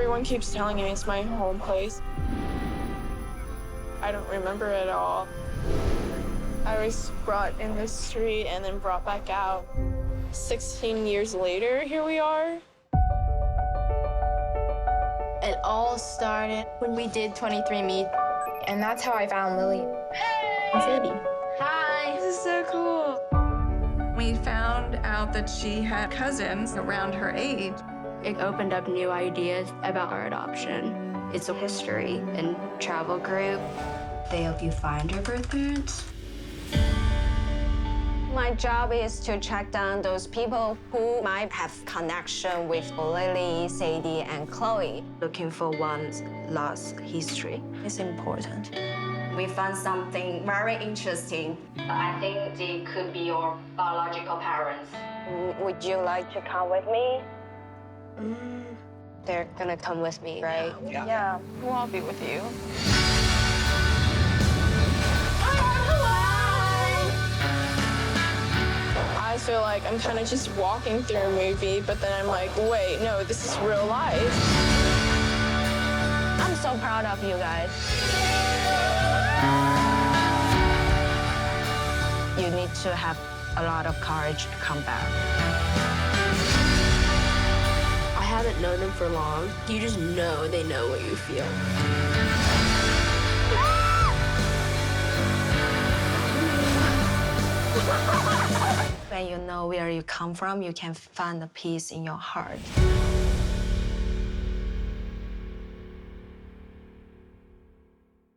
Everyone keeps telling me it's my home place. I don't remember it all. I was brought in the street and then brought back out. 16 years later, here we are. It all started when we did 23andMe, and that's how I found Lily. Hey! Sadie. Hi. This is so cool. We found out that she had cousins around her age. It opened up new ideas about our adoption. It's a history and travel group. They help you find your birth parents. My job is to track down those people who might have connection with Lily, Sadie, and Chloe. Looking for one's lost history is important. We found something very interesting. I think they could be your biological parents. Would you like to come with me? They're gonna come with me, right? Yeah, we'll all be with you. I feel like I'm kind of just walking through a movie, but then I'm like, wait, no, this is real life. I'm so proud of you guys. You need to have a lot of courage to come back. I haven't known them for long. You just know they know what you feel. When you know where you come from, you can find the peace in your heart.